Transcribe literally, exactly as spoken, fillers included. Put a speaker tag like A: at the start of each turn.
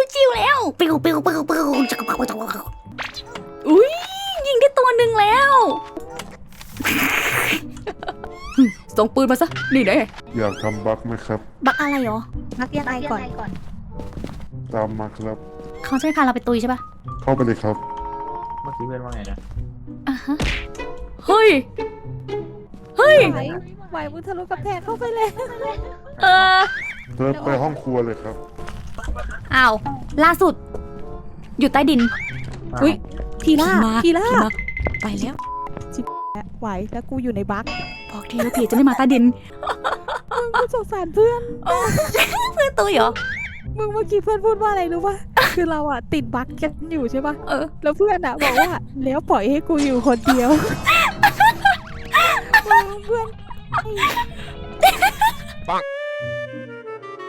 A: ชิวๆแล้วปิวปิวปิวปิวจักรพรรดิอุ้ยยิงได้ตัวหนึ่งแล้วส่งปืนมาซะนี่แน่
B: อยากทำบั๊กไหมครับ
A: บักอะไรหรอ
C: นักยังไงก่อน
B: ตามมาครับ
A: เขาจะไม่พาเราไปตุยใช่ปะ
B: เข้าไปเลยครับ
D: เมื่อกี้เพื่อนว่าไงนะ
A: อ่ะฮะเฮ้ยเฮ้ย
C: ไหวไหวบุญทะลุกับแพงเข้าไปเลย
A: เออ
B: เธอไปห้องครัวเลยครับ
A: อ้าวล่าสุด อยู่ใต้ดินอุ้ย
C: ทีล่า
A: มา
C: ทีล่า
A: มาไปแล้ว
C: ไหวแล้วกูอยู่ในบั๊ก
A: บอกทีว่าผีจะไม่มาใต้ดิน
C: มึงกูสงสารเพื่อน
A: เพื่อนตุยเหรอ
C: มึงเมื่อกี้เพื่อนพูดว่าอะไรรู้ป่ะ คือเราอะติดบั๊กกันอยู่ใช่ป่ะ
A: เออ
C: แล้วเพื่อนอะบอกว่าแล้วปล่อยให้กูอยู่คนเดียวมึงเพื่อน